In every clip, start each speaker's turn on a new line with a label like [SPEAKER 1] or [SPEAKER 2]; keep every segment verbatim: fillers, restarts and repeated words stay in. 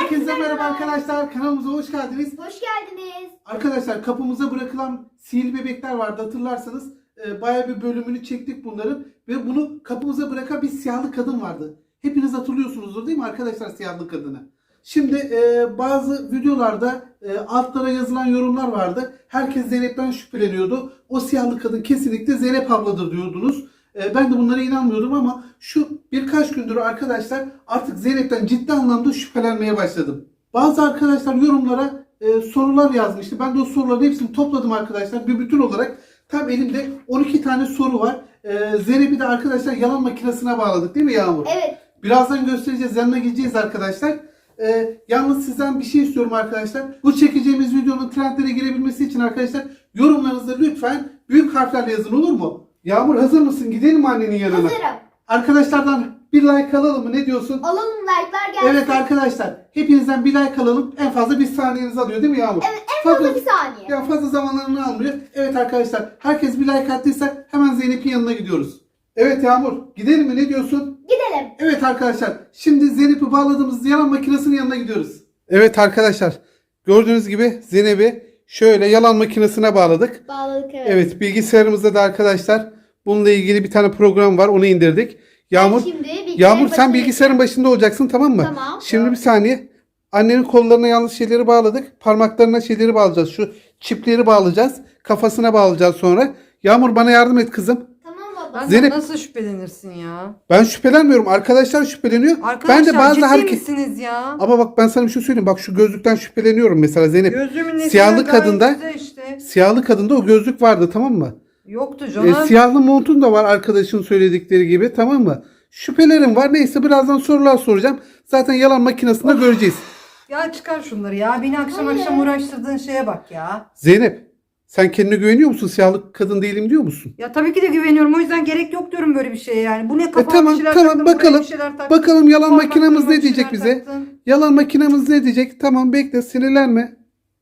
[SPEAKER 1] Herkese merhaba arkadaşlar. Kanalımıza hoş geldiniz.
[SPEAKER 2] Hoş geldiniz.
[SPEAKER 1] Arkadaşlar kapımıza bırakılan sihirli bebekler vardı, hatırlarsanız. E, bayağı bir bölümünü çektik bunların. Ve bunu kapımıza bırakan bir siyahlı kadın vardı. Hepiniz hatırlıyorsunuzdur değil mi arkadaşlar siyahlı kadını? Şimdi e, bazı videolarda e, altlara yazılan yorumlar vardı. Herkes Zeynep'ten şüpheleniyordu. O siyahlı kadın kesinlikle Zeynep abladır diyordunuz. E, ben de bunlara inanmıyordum ama şu birkaç gündür arkadaşlar artık Zeynep'ten ciddi anlamda şüphelenmeye başladım. Bazı arkadaşlar yorumlara e, sorular yazmıştı. Ben de o soruların hepsini topladım arkadaşlar. Bir bütün olarak tam elimde on iki tane soru var. E, Zeynep'i de arkadaşlar yalan makinesine bağladık değil mi Yağmur?
[SPEAKER 2] Evet.
[SPEAKER 1] Birazdan göstereceğiz. Yanına gideceğiz arkadaşlar. Ee, yalnız sizden bir şey istiyorum arkadaşlar. Bu çekeceğimiz videonun trendlere girebilmesi için arkadaşlar yorumlarınızda lütfen büyük harflerle yazın, olur mu? Yağmur hazır mısın? Gidelim mi annenin yanına?
[SPEAKER 2] Hazırım.
[SPEAKER 1] Arkadaşlardan bir like alalım mı? Ne diyorsun?
[SPEAKER 2] Alalım, like'lar gelsin.
[SPEAKER 1] Evet arkadaşlar. Hepinizden bir like alalım. En fazla bir saniyenizi alıyor değil mi Yağmur?
[SPEAKER 2] Evet, en fazla bir saniye.
[SPEAKER 1] Ya fazla zamanlarını almıyor. Evet arkadaşlar. Herkes bir like attıysa hemen Zeynep'in yanına gidiyoruz. Evet Yağmur. Gidelim mi? Ne diyorsun?
[SPEAKER 2] Gidelim.
[SPEAKER 1] Evet arkadaşlar. Şimdi Zeynep'i bağladığımız yalan makinesinin yanına gidiyoruz. Evet arkadaşlar. Gördüğünüz gibi Zeynep'i şöyle yalan makinesine bağladık.
[SPEAKER 2] Bağladık, evet.
[SPEAKER 1] Evet, bilgisayarımızda da arkadaşlar bununla ilgili bir tane program var. Onu indirdik. Yağmur,
[SPEAKER 2] Ben şimdi bilgisayarın
[SPEAKER 1] Yağmur sen
[SPEAKER 2] başına
[SPEAKER 1] bilgisayarın başında olacaksın, tamam mı?
[SPEAKER 2] Tamam.
[SPEAKER 1] Şimdi bir saniye. Annenin kollarına yanlış şeyleri bağladık. Parmaklarına şeyleri bağlayacağız. Şu çipleri bağlayacağız. Kafasına bağlayacağız sonra. Yağmur bana yardım et kızım.
[SPEAKER 2] Tamam baba.
[SPEAKER 3] Ben
[SPEAKER 1] Zeynep-
[SPEAKER 3] nasıl şüphelenirsin ya?
[SPEAKER 1] Ben şüphelenmiyorum. Arkadaşlar şüpheleniyor.
[SPEAKER 3] Arkadaşlar
[SPEAKER 1] ben de bazı
[SPEAKER 3] ciddi
[SPEAKER 1] hareket...
[SPEAKER 3] misiniz ya?
[SPEAKER 1] Ama bak ben sana bir şey söyleyeyim. Bak şu gözlükten şüpheleniyorum mesela Zeynep.
[SPEAKER 3] Gözümün nesinden
[SPEAKER 1] Siyahlı
[SPEAKER 3] gayet
[SPEAKER 1] kadında
[SPEAKER 3] güzel işte.
[SPEAKER 1] siyahlı kadında o gözlük vardı, tamam mı?
[SPEAKER 3] Yoktu
[SPEAKER 1] E,
[SPEAKER 3] canım.
[SPEAKER 1] siyahlı montun da var arkadaşın söyledikleri gibi, tamam mı? Şüphelerim var. Neyse birazdan sorular soracağım. Zaten yalan makinesinde göreceğiz.
[SPEAKER 3] Ya çıkar şunları ya. Beni akşam
[SPEAKER 2] Hayır.
[SPEAKER 3] akşam uğraştırdığın şeye bak ya.
[SPEAKER 1] Zeynep sen kendine güveniyor musun? Siyahlı kadın değilim diyor musun?
[SPEAKER 3] Ya tabii ki de güveniyorum. O yüzden gerek yok diyorum böyle bir şeye yani. Bu ne
[SPEAKER 1] E
[SPEAKER 3] kafama
[SPEAKER 1] tamam
[SPEAKER 3] bir şeyler
[SPEAKER 1] tamam
[SPEAKER 3] taktın, buraya
[SPEAKER 1] bakalım.
[SPEAKER 3] bir şeyler taktın.
[SPEAKER 1] Bakalım yalan
[SPEAKER 3] Parmaklarıma
[SPEAKER 1] makinemiz
[SPEAKER 3] bir
[SPEAKER 1] ne diyecek
[SPEAKER 3] şeyler
[SPEAKER 1] bize?
[SPEAKER 3] taktın.
[SPEAKER 1] Yalan makinemiz ne diyecek? Tamam bekle, sinirlenme.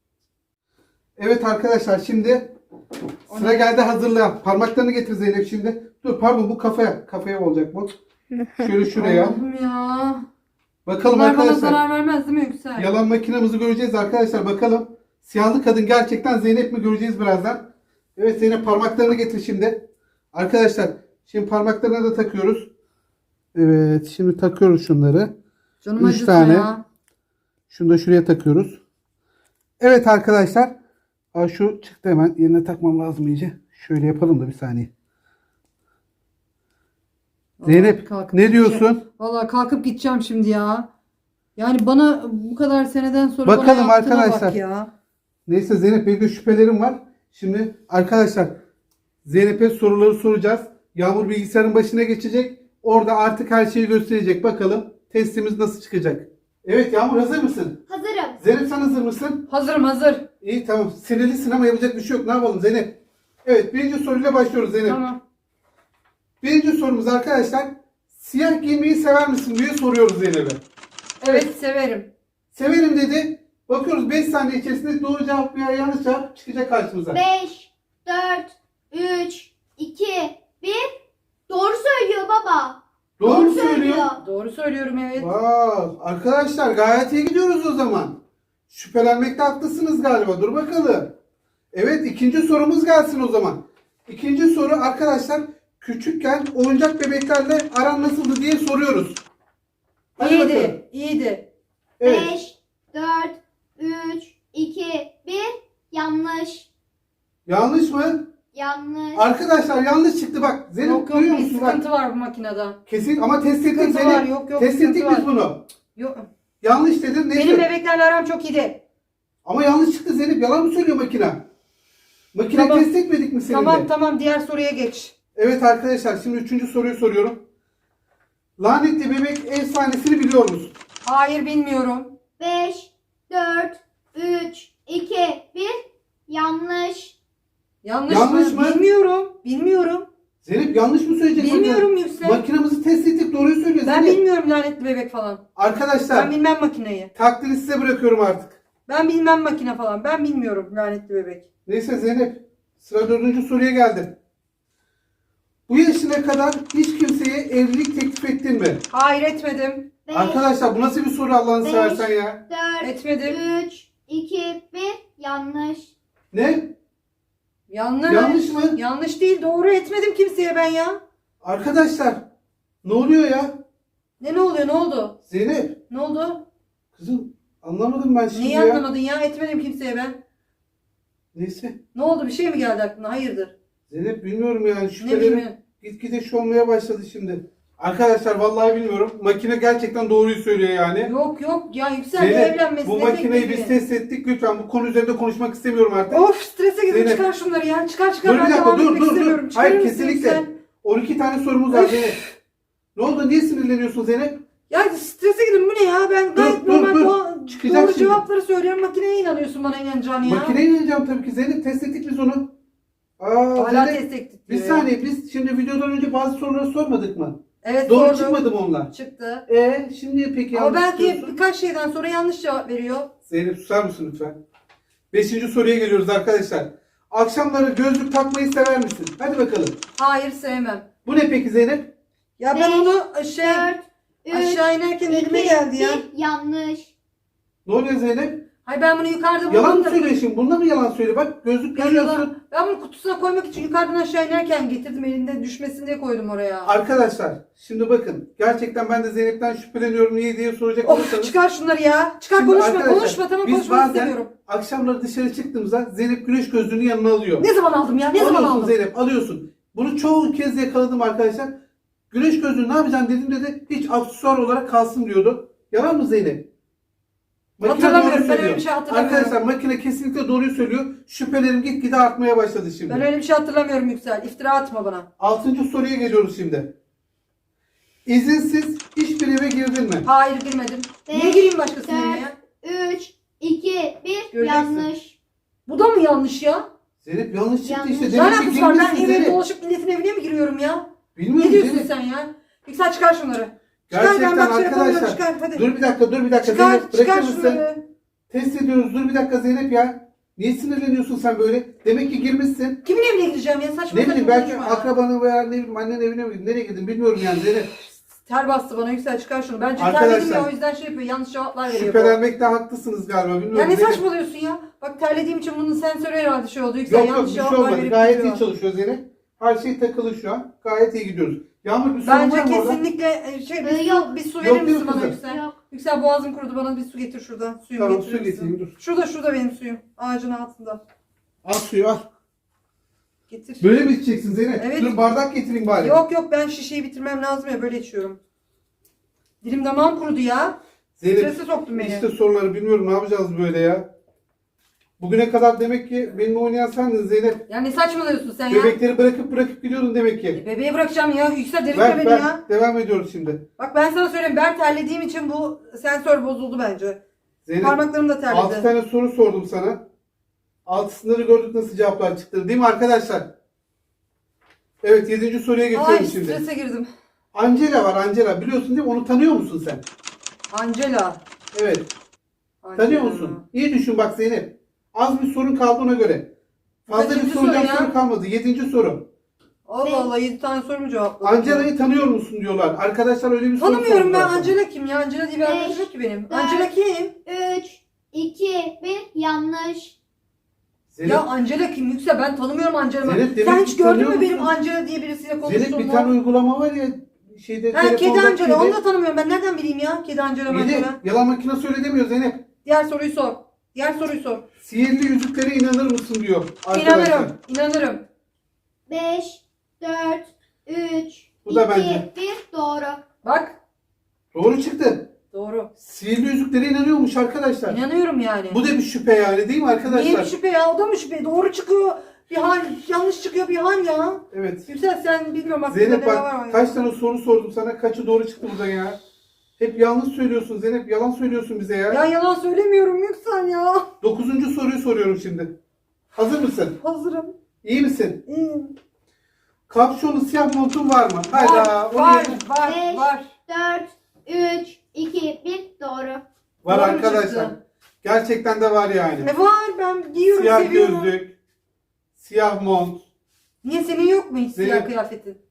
[SPEAKER 1] Evet arkadaşlar şimdi sıra geldi hazırlayan. Parmaklarını getir Zeynep şimdi. Dur pardon, bu kafaya. Kafaya olacak bu. Şöyle şuraya.
[SPEAKER 3] Allah'ım ya.
[SPEAKER 1] Bakalım
[SPEAKER 3] Bunlar bana
[SPEAKER 1] arkadaşlar.
[SPEAKER 3] zarar vermez değil mi Yüksel?
[SPEAKER 1] Yalan makinemizi göreceğiz arkadaşlar, bakalım. Siyahlı kadın gerçekten Zeynep mi, göreceğiz birazdan. Evet Zeynep parmaklarını getir şimdi. Arkadaşlar şimdi parmaklarına da takıyoruz. Evet şimdi takıyoruz şunları.
[SPEAKER 3] Canım
[SPEAKER 1] Üç
[SPEAKER 3] acısı
[SPEAKER 1] tane.
[SPEAKER 3] ya.
[SPEAKER 1] Şunu da şuraya takıyoruz. Evet arkadaşlar. Aa, şu çıktı, hemen yerine takmam lazım iyice. Şöyle yapalım da bir saniye. Zeynep
[SPEAKER 3] kalkıp
[SPEAKER 1] ne
[SPEAKER 3] gideceğim.
[SPEAKER 1] diyorsun?
[SPEAKER 3] Vallahi kalkıp gideceğim şimdi ya. Yani bana bu kadar seneden sonra
[SPEAKER 1] Bakalım
[SPEAKER 3] bana yaptığına
[SPEAKER 1] arkadaşlar.
[SPEAKER 3] bak ya.
[SPEAKER 1] Neyse Zeynep, benim de şüphelerim var. Şimdi arkadaşlar Zeynep'e soruları soracağız. Yağmur bilgisayarın başına geçecek. Orada artık her şeyi gösterecek. Bakalım testimiz nasıl çıkacak. Evet Yağmur, hazır mısın?
[SPEAKER 2] Hazırım.
[SPEAKER 1] Zeynep sen hazır mısın?
[SPEAKER 3] Hazırım hazır.
[SPEAKER 1] İyi tamam. Sinirlisin ama yapacak bir şey yok. Ne yapalım Zeynep? Evet, birinci soruyla başlıyoruz Zeynep.
[SPEAKER 3] Tamam.
[SPEAKER 1] Birinci sorumuz arkadaşlar. Siyah giymeyi sever misin diye soruyoruz Zeynep'e.
[SPEAKER 3] Evet severim.
[SPEAKER 1] Severim dedi. Bakıyoruz beş saniye içerisinde doğru cevap veya yanlış cevap çıkacak karşımıza.
[SPEAKER 2] beş, dört, üç, iki, bir. Doğru söylüyor baba.
[SPEAKER 1] Doğru mu söylüyor?
[SPEAKER 3] Doğru söylüyorum evet.
[SPEAKER 1] Vay, arkadaşlar gayet iyi gidiyoruz o zaman. Şüphelenmekte haklısınız galiba. Dur bakalım. Evet, ikinci sorumuz gelsin o zaman. İkinci soru arkadaşlar, küçükken oyuncak bebeklerle aran nasıldı diye soruyoruz. Hadi bakalım.
[SPEAKER 3] İyiydi. iyiydi.
[SPEAKER 1] Evet.
[SPEAKER 2] beş, dört, üç, iki, bir. Yanlış.
[SPEAKER 1] Yanlış mı?
[SPEAKER 2] Yanlış.
[SPEAKER 1] Arkadaşlar yanlış çıktı bak. Zeynep
[SPEAKER 3] Yok yok
[SPEAKER 1] duyuyor
[SPEAKER 3] bir
[SPEAKER 1] musun? Bak,
[SPEAKER 3] sıkıntı var bu makinede.
[SPEAKER 1] kesin ama test ettik
[SPEAKER 3] Sıkıntı
[SPEAKER 1] Zeynep.
[SPEAKER 3] var, yok, yok,
[SPEAKER 1] Test
[SPEAKER 3] sıkıntı
[SPEAKER 1] ettik
[SPEAKER 3] var.
[SPEAKER 1] biz bunu.
[SPEAKER 3] Yok.
[SPEAKER 1] Yanlış dedin neyse.
[SPEAKER 3] Benim bebeklerle aram çok iyiydi.
[SPEAKER 1] Ama yanlış çıktı Zeynep. Yalan mı söylüyor makine? Makine
[SPEAKER 3] Tamam.
[SPEAKER 1] test etmedik mi seninle?
[SPEAKER 3] Tamam tamam diğer soruya geç.
[SPEAKER 1] Evet arkadaşlar, şimdi üçüncü soruyu soruyorum. Lanetli bebek efsanesini biliyor musun?
[SPEAKER 3] Hayır bilmiyorum.
[SPEAKER 2] beş, dört, üç, iki, bir. Yanlış.
[SPEAKER 3] Yanlış,
[SPEAKER 1] Yanlış
[SPEAKER 3] mı?
[SPEAKER 1] mı?
[SPEAKER 3] Bilmiyorum. Bilmiyorum.
[SPEAKER 1] Zeynep yanlış mı söyleyecek?
[SPEAKER 3] Bilmiyorum Yüksel.
[SPEAKER 1] Makinamızı test ettik, doğruyu söylüyor
[SPEAKER 3] Ben
[SPEAKER 1] Zeynep.
[SPEAKER 3] bilmiyorum lanetli bebek falan.
[SPEAKER 1] Arkadaşlar
[SPEAKER 3] Ben bilmem makineyi.
[SPEAKER 1] takdiri size bırakıyorum artık.
[SPEAKER 3] Ben bilmem makine falan. Ben bilmiyorum lanetli bebek.
[SPEAKER 1] Neyse Zeynep, sıra dördüncü soruya geldi. Bu yaşına kadar hiç kimseye evlilik teklif ettin mi?
[SPEAKER 3] Hayır etmedim.
[SPEAKER 2] beş,
[SPEAKER 1] Arkadaşlar bu nasıl bir soru Allah'ını
[SPEAKER 2] Beş.
[SPEAKER 1] seversen ya?
[SPEAKER 2] dört,
[SPEAKER 3] Etmedim.
[SPEAKER 2] üç, iki, bir. Yanlış.
[SPEAKER 1] Ne?
[SPEAKER 3] Yanlış.
[SPEAKER 1] Yanlış mı?
[SPEAKER 3] Yanlış değil. Doğru etmedim kimseye ben ya.
[SPEAKER 1] Arkadaşlar ne oluyor ya?
[SPEAKER 3] Ne ne oluyor? Ne oldu?
[SPEAKER 1] Zeynep
[SPEAKER 3] Ne oldu?
[SPEAKER 1] kızım anlamadım ben şimdi
[SPEAKER 3] Neyi
[SPEAKER 1] ya.
[SPEAKER 3] anlamadın ya? Etmedim kimseye ben.
[SPEAKER 1] Neyse.
[SPEAKER 3] Ne oldu? Bir şey mi geldi aklına? Hayırdır?
[SPEAKER 1] Zeynep bilmiyorum yani
[SPEAKER 3] Ne
[SPEAKER 1] şüphelerim
[SPEAKER 3] bileyim.
[SPEAKER 1] gitgide şu olmaya başladı şimdi. Arkadaşlar vallahi bilmiyorum. Makine gerçekten doğruyu söylüyor yani.
[SPEAKER 3] Yok yok ya Yüksel ne
[SPEAKER 1] Zeynep
[SPEAKER 3] evlenmesi
[SPEAKER 1] bu
[SPEAKER 3] ne
[SPEAKER 1] makineyi biz
[SPEAKER 3] beklediği.
[SPEAKER 1] test ettik. Lütfen bu konu üzerinde konuşmak istemiyorum artık.
[SPEAKER 3] Of strese girdim
[SPEAKER 1] Zeynep.
[SPEAKER 3] çıkar şunları ya. Çıkar çıkar
[SPEAKER 1] Dur
[SPEAKER 3] ben
[SPEAKER 1] bir dakika
[SPEAKER 3] devam
[SPEAKER 1] dur
[SPEAKER 3] etmek
[SPEAKER 1] dur
[SPEAKER 3] istemiyorum.
[SPEAKER 1] dur.
[SPEAKER 3] Çıkarır
[SPEAKER 1] Hayır
[SPEAKER 3] mısın
[SPEAKER 1] kesinlikle.
[SPEAKER 3] Yüksel?
[SPEAKER 1] on iki tane sorumuz var
[SPEAKER 3] Üf.
[SPEAKER 1] Zeynep. Ne oldu? Niye sinirleniyorsun Zeynep?
[SPEAKER 3] Ya strese girdim bu ne ya? Ben gayet
[SPEAKER 1] dur,
[SPEAKER 3] normal
[SPEAKER 1] dur.
[SPEAKER 3] doğa-
[SPEAKER 1] Çıkacak
[SPEAKER 3] doğru
[SPEAKER 1] şimdi.
[SPEAKER 3] cevapları söylüyorum. Makineye inanıyorsun bana inanacağını ya.
[SPEAKER 1] Makineye ineceğim tabii ki Zeynep. Test ettik biz onu. Aa,
[SPEAKER 3] Hala
[SPEAKER 1] Zeynep,
[SPEAKER 3] test ettik
[SPEAKER 1] bir
[SPEAKER 3] diyor ya.
[SPEAKER 1] saniye biz şimdi videodan önce bazı soruları sormadık mı?
[SPEAKER 3] Evet
[SPEAKER 1] Doğru
[SPEAKER 3] sordum.
[SPEAKER 1] çıkmadı mı onlar?
[SPEAKER 3] Çıktı.
[SPEAKER 1] E şimdi peki
[SPEAKER 3] Ama
[SPEAKER 1] yanlış
[SPEAKER 3] belki
[SPEAKER 1] diyorsun.
[SPEAKER 3] birkaç şeyden sonra yanlış cevap veriyor.
[SPEAKER 1] Zeynep susar mısın lütfen? Beşinci soruya geliyoruz arkadaşlar. Akşamları gözlük takmayı sever misin? Hadi bakalım.
[SPEAKER 3] Hayır sevmem.
[SPEAKER 1] Bu ne peki Zeynep?
[SPEAKER 3] Ya ben
[SPEAKER 2] Beş,
[SPEAKER 3] onu şey
[SPEAKER 2] dört, üç,
[SPEAKER 3] aşağı inerken
[SPEAKER 2] iki,
[SPEAKER 3] elime geldi ya.
[SPEAKER 2] bir. Yanlış.
[SPEAKER 1] Ne oluyor Zeynep?
[SPEAKER 3] Hayır ben bunu yukarıda
[SPEAKER 1] Yalan
[SPEAKER 3] buldum
[SPEAKER 1] mı
[SPEAKER 3] da.
[SPEAKER 1] söylüyor şimdi? Bunda mı yalan söyle? Bak gözlük
[SPEAKER 3] Ben,
[SPEAKER 1] görüyorsun.
[SPEAKER 3] bunu- ben bunu kutusuna koymak için yukarıdan aşağı inerken getirdim elinde düşmesin diye koydum oraya.
[SPEAKER 1] Arkadaşlar şimdi bakın. Gerçekten ben de Zeynep'ten şüpheleniyorum. Niye diye soracak
[SPEAKER 3] Of
[SPEAKER 1] olursanız.
[SPEAKER 3] çıkar şunları ya. Çıkar
[SPEAKER 1] Şimdi
[SPEAKER 3] konuşma
[SPEAKER 1] arkadaşlar,
[SPEAKER 3] konuşma tamam
[SPEAKER 1] biz
[SPEAKER 3] konuşmak
[SPEAKER 1] bazen
[SPEAKER 3] istemiyorum.
[SPEAKER 1] akşamları dışarı çıktığımızda Zeynep güneş gözlüğünü yanına alıyor.
[SPEAKER 3] Ne zaman aldım ya? Ne zaman
[SPEAKER 1] alıyorsun
[SPEAKER 3] aldım?
[SPEAKER 1] Zeynep alıyorsun. Bunu çoğu kez yakaladım arkadaşlar. Güneş gözlüğü ne yapacaksın dediğimde de hiç aksesuar olarak kalsın diyordu. Yalan mı Zeynep? Makine
[SPEAKER 3] Hatırlamıyorum,
[SPEAKER 1] doğru
[SPEAKER 3] ben
[SPEAKER 1] söylüyor.
[SPEAKER 3] öyle bir şey hatırlamıyorum.
[SPEAKER 1] Arkadaşlar makine kesinlikle doğruyu söylüyor. Şüphelerim gitgide artmaya başladı şimdi.
[SPEAKER 3] Ben öyle bir şey hatırlamıyorum Yüksel. İftira atma bana.
[SPEAKER 1] Altıncı soruya geliyoruz şimdi. İzinsiz hiçbir eve girdin mi?
[SPEAKER 3] Hayır girmedim.
[SPEAKER 2] Beş,
[SPEAKER 3] Niye gireyim başkasının
[SPEAKER 2] dört,
[SPEAKER 3] evine ya?
[SPEAKER 2] üç, iki, bir.
[SPEAKER 3] Göreceksin.
[SPEAKER 2] Yanlış.
[SPEAKER 3] Bu da mı yanlış ya?
[SPEAKER 1] Zeynep yanlış çıktı
[SPEAKER 2] Yanlış.
[SPEAKER 1] işte.
[SPEAKER 3] Ne
[SPEAKER 1] Demek ki
[SPEAKER 3] alakası var? Ben
[SPEAKER 1] girmişsin
[SPEAKER 3] eve
[SPEAKER 1] Zeynep.
[SPEAKER 3] dolaşıp milletin evine mi giriyorum ya?
[SPEAKER 1] Bilmiyorum
[SPEAKER 3] Ne diyorsun
[SPEAKER 1] Zeynep.
[SPEAKER 3] sen ya? Yüksel çıkar şunları. Çıkar
[SPEAKER 1] Gerçekten
[SPEAKER 3] ben bak şey yapamıyorum
[SPEAKER 1] arkadaşlar.
[SPEAKER 3] çıkar hadi.
[SPEAKER 1] Dur bir dakika dur bir dakika
[SPEAKER 3] çıkar
[SPEAKER 1] Zeynep
[SPEAKER 3] çıkar
[SPEAKER 1] bırakır mısın?
[SPEAKER 3] şunları.
[SPEAKER 1] Test ediyoruz. Dur bir dakika Zeynep ya. Niye sinirleniyorsun sen böyle? Demek ki girmişsin.
[SPEAKER 3] Kimin evine gireceğim ya? Saçma
[SPEAKER 1] Ne
[SPEAKER 3] saçma
[SPEAKER 1] bileyim belki
[SPEAKER 3] konuşma ya.
[SPEAKER 1] akrabanın veya ne bileyim annenin evine mi? Nereye gidin bilmiyorum yani Zeynep.
[SPEAKER 3] Ter bastı bana Yüksel çıkar şunu. Bence
[SPEAKER 1] Arkadaşlar,
[SPEAKER 3] terledim ya o yüzden şey yapıyor. Yanlış cevaplar veriyor. bu.
[SPEAKER 1] Şüphelenmekte haklısınız galiba bilmiyorum.
[SPEAKER 3] Ya ne
[SPEAKER 1] Zeynep.
[SPEAKER 3] saçmalıyorsun ya? Bak terlediğim için bunun sensörü herhalde şey oldu. Yüksel
[SPEAKER 1] Yok yok
[SPEAKER 3] yanlış
[SPEAKER 1] bir şey
[SPEAKER 3] cevaplar
[SPEAKER 1] olmadı.
[SPEAKER 3] verip
[SPEAKER 1] Gayet
[SPEAKER 3] duruyor.
[SPEAKER 1] iyi çalışıyor Zeynep. Her şey takılı şu an. Gayet iyi gidiyoruz. Yağmur bir sorun
[SPEAKER 3] Bence
[SPEAKER 1] var mı orada?
[SPEAKER 3] kesinlikle e, şey bir,
[SPEAKER 2] Ee,
[SPEAKER 3] su,
[SPEAKER 2] yok.
[SPEAKER 3] bir su
[SPEAKER 1] Yok,
[SPEAKER 3] verir
[SPEAKER 1] yok
[SPEAKER 3] misin bana
[SPEAKER 1] kızım.
[SPEAKER 3] Yüksel?
[SPEAKER 2] Yok.
[SPEAKER 3] Yüksel boğazım kurudu bana bir su getir şuradan. Suyumu
[SPEAKER 1] Tamam
[SPEAKER 3] getirir
[SPEAKER 1] su
[SPEAKER 3] misin?
[SPEAKER 1] getireyim dur.
[SPEAKER 3] Şurada şurada benim suyum. Ağacın altında.
[SPEAKER 1] Al suyu al.
[SPEAKER 3] Getir.
[SPEAKER 1] Böyle mi içeceksin Zeynep?
[SPEAKER 3] Evet.
[SPEAKER 1] Dur bardak getireyim bari.
[SPEAKER 3] Yok yok ben şişeyi bitirmem lazım ya böyle içiyorum. Dilim damağım kurudu ya.
[SPEAKER 1] Zeynep
[SPEAKER 3] Strese soktun beni.
[SPEAKER 1] işte soruları bilmiyorum ne yapacağız böyle ya. Bugüne kadar demek ki benimle oynayan sendin Zeynep.
[SPEAKER 3] Ya ne saçmalıyorsun sen ya?
[SPEAKER 1] Bebekleri bırakıp bırakıp gidiyordun demek ki.
[SPEAKER 3] E, bebeği bırakacağım ya. Yüksel delirtme
[SPEAKER 1] Ver
[SPEAKER 3] beni
[SPEAKER 1] ver.
[SPEAKER 3] ya.
[SPEAKER 1] Devam ediyoruz şimdi.
[SPEAKER 3] Bak ben sana söyleyeyim ben terlediğim için bu sensör bozuldu bence.
[SPEAKER 1] Zeynep
[SPEAKER 3] Parmaklarım da
[SPEAKER 1] altı
[SPEAKER 3] terledi.
[SPEAKER 1] tane soru sordum sana. Altısınları gördük nasıl cevaplar çıktı. Değil mi arkadaşlar? Evet yedinci soruya geçiyorum
[SPEAKER 3] Ay
[SPEAKER 1] şimdi.
[SPEAKER 3] strese girdim.
[SPEAKER 1] Angela var Angela. Biliyorsun değil mi? Onu tanıyor musun sen?
[SPEAKER 3] Angela.
[SPEAKER 1] Evet.
[SPEAKER 3] Angela.
[SPEAKER 1] Tanıyor musun? İyi düşün bak Zeynep. Az bir sorun kaldı ona göre. Fazla bir
[SPEAKER 3] Kaçıncı
[SPEAKER 1] soracağım
[SPEAKER 3] soru ya?
[SPEAKER 1] soru kalmadı. Yedinci soru.
[SPEAKER 3] Allah
[SPEAKER 2] Ne?
[SPEAKER 3] Allah yedi tane soru mu cevapladım?
[SPEAKER 1] Angela'yı tanıyor musun diyorlar. Arkadaşlar öyle bir soru
[SPEAKER 3] Tanımıyorum ben.
[SPEAKER 1] sordular.
[SPEAKER 3] Angela kim ya? Angela diye bir arkadaşım
[SPEAKER 2] Beş,
[SPEAKER 3] yok ki benim.
[SPEAKER 2] dört,
[SPEAKER 3] Angela kim?
[SPEAKER 2] üç, iki, bir. Yanlış.
[SPEAKER 1] Zeynep,
[SPEAKER 3] Ya Angela kim? Yüksel ben tanımıyorum Angela'yı.
[SPEAKER 1] Zeynep, demek
[SPEAKER 3] Sen
[SPEAKER 1] ki
[SPEAKER 3] hiç gördün
[SPEAKER 1] tanıyor
[SPEAKER 3] mü benim
[SPEAKER 1] musun?
[SPEAKER 3] Angela diye birisiyle
[SPEAKER 1] Zeynep
[SPEAKER 3] konuştuğumu?
[SPEAKER 1] bir tane uygulama var ya şeyde
[SPEAKER 3] Ha kedi
[SPEAKER 1] telefonda
[SPEAKER 3] Angela
[SPEAKER 1] kedi.
[SPEAKER 3] onu da tanımıyorum. Ben nereden bileyim ya? Kedi Angela
[SPEAKER 1] İyi de
[SPEAKER 3] Angela.
[SPEAKER 1] yalan makinesi öyle demiyor Zeynep.
[SPEAKER 3] Diğer soruyu sor. Diğer soruyu sor.
[SPEAKER 1] Sihirli yüzüklere inanır mısın diyor arkadaşlar.
[SPEAKER 3] İnanırım. İnanırım.
[SPEAKER 2] Beş, dört, üç,
[SPEAKER 1] Bu da
[SPEAKER 2] iki,
[SPEAKER 1] bence.
[SPEAKER 2] bir. Doğru.
[SPEAKER 3] Bak.
[SPEAKER 1] Doğru çıktı.
[SPEAKER 3] Doğru.
[SPEAKER 1] Sihirli yüzüklere inanıyormuş arkadaşlar.
[SPEAKER 3] İnanıyorum yani.
[SPEAKER 1] Bu da bir şüphe yani değil mi arkadaşlar?
[SPEAKER 3] Niye bir şüphe ya? O da mı şüphe? Doğru çıkıyor. Bir hal, yanlış çıkıyor bir hal ya.
[SPEAKER 1] Evet.
[SPEAKER 3] Yüksel sen bilmiyorum aklında
[SPEAKER 1] Zeynep
[SPEAKER 3] ne var
[SPEAKER 1] bak
[SPEAKER 3] mı?
[SPEAKER 1] kaç tane soru sordum sana. Kaçı doğru çıktı burada ya. Hep yanlış söylüyorsun Zeynep. Yalan söylüyorsun bize ya.
[SPEAKER 3] Ya yalan söylemiyorum Yüksel ya.
[SPEAKER 1] Dokuzuncu soruyu soruyorum şimdi. Hazır mısın?
[SPEAKER 3] Hazırım.
[SPEAKER 1] İyi misin?
[SPEAKER 3] İyiyim.
[SPEAKER 1] Kapşonlu siyah montun var mı? Hayda.
[SPEAKER 3] Var,
[SPEAKER 1] onu
[SPEAKER 3] var,
[SPEAKER 1] yedim.
[SPEAKER 3] var,
[SPEAKER 2] Beş.
[SPEAKER 3] var.
[SPEAKER 2] Dört, üç, iki, bir. Doğru.
[SPEAKER 1] Var
[SPEAKER 3] Doğru
[SPEAKER 1] arkadaşlar.
[SPEAKER 3] çıktı.
[SPEAKER 1] Gerçekten de var yani.
[SPEAKER 3] Ne var? Ben giyiyorum,
[SPEAKER 1] Siyah
[SPEAKER 3] seviyorum.
[SPEAKER 1] gözlük, siyah mont.
[SPEAKER 3] Niye senin yok mu hiç siyah
[SPEAKER 1] Zeynep.
[SPEAKER 3] kıyafetin?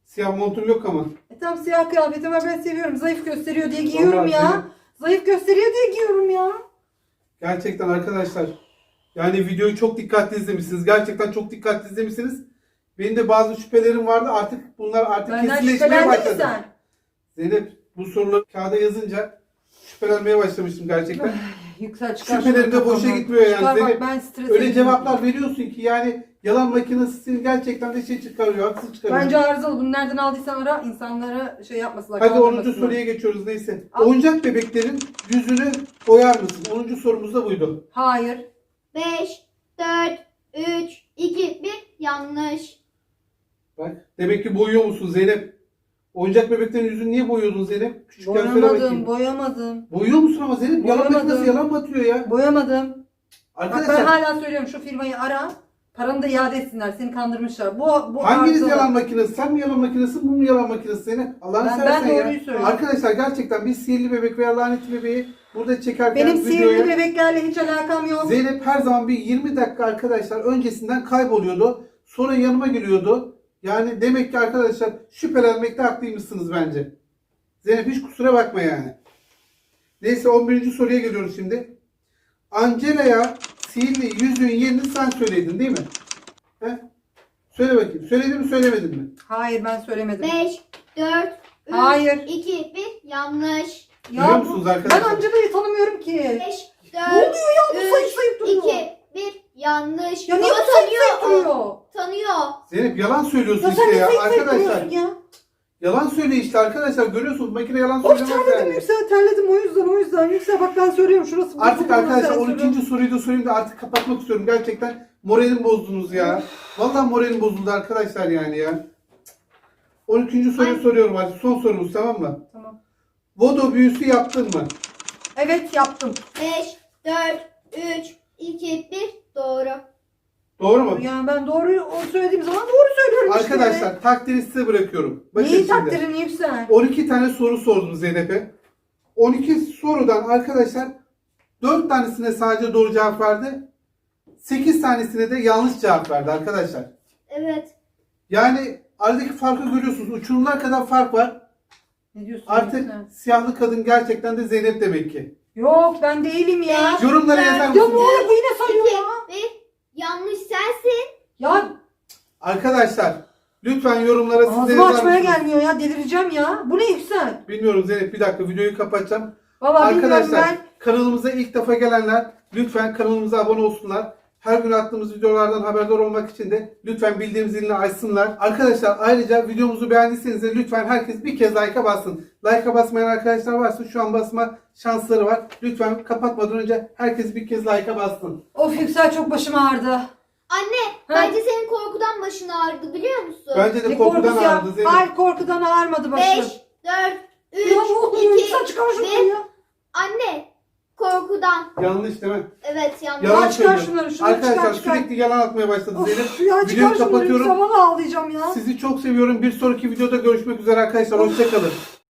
[SPEAKER 1] Siyah montum yok ama.
[SPEAKER 3] E tamam, siyah kıyafetim var, ben seviyorum. Zayıf gösteriyor diye giyiyorum
[SPEAKER 1] Vallahi
[SPEAKER 3] ya.
[SPEAKER 1] Zeynep,
[SPEAKER 3] Zayıf gösteriyor diye giyiyorum ya.
[SPEAKER 1] gerçekten arkadaşlar. Yani videoyu çok dikkatli izlemişsiniz. Gerçekten çok dikkatli izlemişsiniz. Benim de bazı şüphelerim vardı. Artık bunlar artık
[SPEAKER 3] Benden
[SPEAKER 1] kesinleşmeye
[SPEAKER 3] şüphelendin mi
[SPEAKER 1] başladı.
[SPEAKER 3] sen?
[SPEAKER 1] Zeynep bu soruları kağıda yazınca şüphelenmeye başlamıştım gerçekten.
[SPEAKER 3] Yüksel çıkar.
[SPEAKER 1] Şüphelerim
[SPEAKER 3] şunu
[SPEAKER 1] de boşa
[SPEAKER 3] kafamdan.
[SPEAKER 1] gitmiyor yani.
[SPEAKER 3] Çıkar
[SPEAKER 1] Zeynep,
[SPEAKER 3] bak, ben stres
[SPEAKER 1] Öyle
[SPEAKER 3] ediyorum.
[SPEAKER 1] cevaplar veriyorsun ki yani yalan makinesi gerçekten de şey çıkarıyor. Haksız çıkarıyor.
[SPEAKER 3] Bence arızalı. Bunu nereden aldıysan ara, insanlara şey yapmasınlar.
[SPEAKER 1] Hadi onuncu
[SPEAKER 3] kandırmasınlar.
[SPEAKER 1] soruya geçiyoruz neyse.
[SPEAKER 3] Al.
[SPEAKER 1] Oyuncak bebeklerin yüzünü boyar mısın? onuncu sorumuz da buydu.
[SPEAKER 3] Hayır.
[SPEAKER 2] beş, dört, üç, iki, bir. Yanlış.
[SPEAKER 1] Bak demek ki boyuyor musun Zeynep? Oyuncak bebeklerin yüzünü niye boyuyordun Zeynep? Küçükken söyle
[SPEAKER 3] Boyamadım,
[SPEAKER 1] bakayım.
[SPEAKER 3] boyamadım.
[SPEAKER 1] Boyuyor musun ama Zeynep? Yalan
[SPEAKER 3] Boyamadım.
[SPEAKER 1] makinesi yalan mı atıyor ya?
[SPEAKER 3] Boyamadım. Bak ben
[SPEAKER 1] Arkadaşlar
[SPEAKER 3] hala söylüyorum, şu firmayı ara. Paranı da iade etsinler. Seni kandırmışlar. Bu, bu
[SPEAKER 1] hanginiz
[SPEAKER 3] arızalı.
[SPEAKER 1] yalan makinesi? Sen mi yalan makinesi, bu mu yalan makinesi Zeynep? Allah'ını
[SPEAKER 3] Ben-
[SPEAKER 1] seversen
[SPEAKER 3] ben
[SPEAKER 1] ya.
[SPEAKER 3] doğruyu söylüyorum.
[SPEAKER 1] Arkadaşlar gerçekten biz sihirli bebek veya lanetli bebeği burada çekerken
[SPEAKER 3] Benim
[SPEAKER 1] videoya...
[SPEAKER 3] sihirli bebeklerle hiç alakam yok.
[SPEAKER 1] Zeynep her zaman bir yirmi dakika arkadaşlar öncesinden kayboluyordu. Sonra yanıma geliyordu. Yani demek ki arkadaşlar şüphelenmekte haklıymışsınız bence. Zeynep hiç kusura bakma yani. Neyse on birinci soruya geliyoruz şimdi. Angela'ya sihirli yüzüğün yerini sen söyledin değil mi? He? Söyle bakayım. Söyledin mi söylemedin mi?
[SPEAKER 3] Hayır, ben söylemedim.
[SPEAKER 2] beş, dört, üç,
[SPEAKER 3] Hayır.
[SPEAKER 2] iki, bir. Yanlış.
[SPEAKER 1] Biliyor
[SPEAKER 3] Ya
[SPEAKER 1] musunuz
[SPEAKER 3] bu-
[SPEAKER 1] arkadaşlar?
[SPEAKER 3] Ben Angela'yı tanımıyorum ki.
[SPEAKER 2] beş,
[SPEAKER 3] Ne
[SPEAKER 2] dört,
[SPEAKER 3] oluyor ya, bu sayıp sayıp duruyor.
[SPEAKER 2] iki, bir. Yanlış.
[SPEAKER 3] Ya niye
[SPEAKER 2] Baba
[SPEAKER 3] bu sayıp sayıp
[SPEAKER 2] tanıyor.
[SPEAKER 3] duruyor?
[SPEAKER 2] Tanıyor.
[SPEAKER 1] Zeynep yalan söylüyorsun
[SPEAKER 3] Ya sen
[SPEAKER 1] işte
[SPEAKER 3] ne
[SPEAKER 1] ya
[SPEAKER 3] sayıp sayıp
[SPEAKER 1] arkadaşlar.
[SPEAKER 3] duruyorsun ya?
[SPEAKER 1] Yalan söyle işte arkadaşlar. Görüyorsunuz makine yalan
[SPEAKER 3] Of,
[SPEAKER 1] söylemez
[SPEAKER 3] terledim
[SPEAKER 1] yani.
[SPEAKER 3] Yüksel, terledim o yüzden o yüzden. Yüksel bak, ben söylüyorum şurası. burası,
[SPEAKER 1] Artık
[SPEAKER 3] burası,
[SPEAKER 1] arkadaşlar
[SPEAKER 3] sen
[SPEAKER 1] on
[SPEAKER 3] söyle.
[SPEAKER 1] ikinci soruyu da sorayım da artık kapatmak istiyorum. Gerçekten moralim bozdunuz ya. Vallahi moralim bozuldu arkadaşlar yani ya. on ikinci soruyu
[SPEAKER 2] Ay.
[SPEAKER 1] soruyorum artık. Son sorumuz tamam mı?
[SPEAKER 3] Tamam.
[SPEAKER 1] Vodo büyüsü yaptın mı?
[SPEAKER 3] Evet, yaptım.
[SPEAKER 2] beş, dört, üç, iki, bir. Doğru.
[SPEAKER 1] Doğru mu?
[SPEAKER 3] Yani ben doğruyu o söylediğim zaman doğru söylüyorum işte.
[SPEAKER 1] Arkadaşlar takdiri size bırakıyorum. Bakın
[SPEAKER 3] Neyi
[SPEAKER 1] şimdi.
[SPEAKER 3] takdirini Yüksel?
[SPEAKER 1] on iki tane soru sordum Zeynep'e. on iki sorudan arkadaşlar dört tanesine sadece doğru cevap verdi. sekiz tanesine de yanlış cevap verdi arkadaşlar.
[SPEAKER 2] Evet.
[SPEAKER 1] Yani aradaki farkı görüyorsunuz. Uçurumlar kadar fark var.
[SPEAKER 3] Ne diyorsun
[SPEAKER 1] Artık
[SPEAKER 3] Yüksel?
[SPEAKER 1] siyahlı kadın gerçekten de Zeynep demek ki.
[SPEAKER 3] Yok, ben değilim ya.
[SPEAKER 2] Beş,
[SPEAKER 1] Yorumlara
[SPEAKER 2] dört,
[SPEAKER 1] yazar
[SPEAKER 3] Ya
[SPEAKER 1] mısınız?
[SPEAKER 3] bu arada bu yine sayıyor
[SPEAKER 2] iki,
[SPEAKER 3] ya.
[SPEAKER 2] bir. Yanlış sensin.
[SPEAKER 3] Ya
[SPEAKER 1] Arkadaşlar lütfen yorumlara siz de
[SPEAKER 3] ağzımı
[SPEAKER 1] yazar
[SPEAKER 3] açmaya
[SPEAKER 1] mısınız?
[SPEAKER 3] gelmiyor ya, delireceğim ya. Bu ne Yüksel?
[SPEAKER 1] Bilmiyorum Zeynep bir dakika videoyu kapatacağım.
[SPEAKER 3] Valla bilmiyorum
[SPEAKER 1] Arkadaşlar
[SPEAKER 3] ben.
[SPEAKER 1] kanalımıza ilk defa gelenler lütfen kanalımıza abone olsunlar. Her gün attığımız videolardan haberdar olmak için de lütfen bildirim zilini açsınlar. Arkadaşlar ayrıca videomuzu beğendiyseniz de lütfen herkes bir kez like'a bassın. Like'a basmayan arkadaşlar varsa şu an basma şansları var. Lütfen kapatmadan önce herkes bir kez like'a bassın.
[SPEAKER 3] Of Yüksel, çok başım ağrıdı.
[SPEAKER 2] Anne, bence senin korkudan başın ağrıdı biliyor musun?
[SPEAKER 1] Bence de
[SPEAKER 3] Ne
[SPEAKER 1] korkudan
[SPEAKER 3] korkusu ya?
[SPEAKER 1] ağrıdı Zeynep.
[SPEAKER 3] Hayır, korkudan ağrmadı başım.
[SPEAKER 2] beş, dört, üç,
[SPEAKER 3] Ya ne oluyor
[SPEAKER 2] iki,
[SPEAKER 3] Yüksel, çıkar şunu
[SPEAKER 2] bir.
[SPEAKER 3] ya.
[SPEAKER 2] Anne, korkudan.
[SPEAKER 1] Yanlış değil mi?
[SPEAKER 2] Evet yanlış.
[SPEAKER 1] Yalan
[SPEAKER 3] Ya çıkar
[SPEAKER 1] söylüyor.
[SPEAKER 3] şunları, şunları
[SPEAKER 1] Arkadaşlar
[SPEAKER 3] çıkar, çıkar.
[SPEAKER 1] sürekli yalan atmaya başladı Zeynep.
[SPEAKER 3] Of ya, çıkar
[SPEAKER 1] Videoyu
[SPEAKER 3] şunları
[SPEAKER 1] kapatıyorum.
[SPEAKER 3] Yüksel, valla ağlayacağım ya.
[SPEAKER 1] Sizi çok seviyorum. Bir sonraki videoda görüşmek üzere arkadaşlar. Hoşçakalın.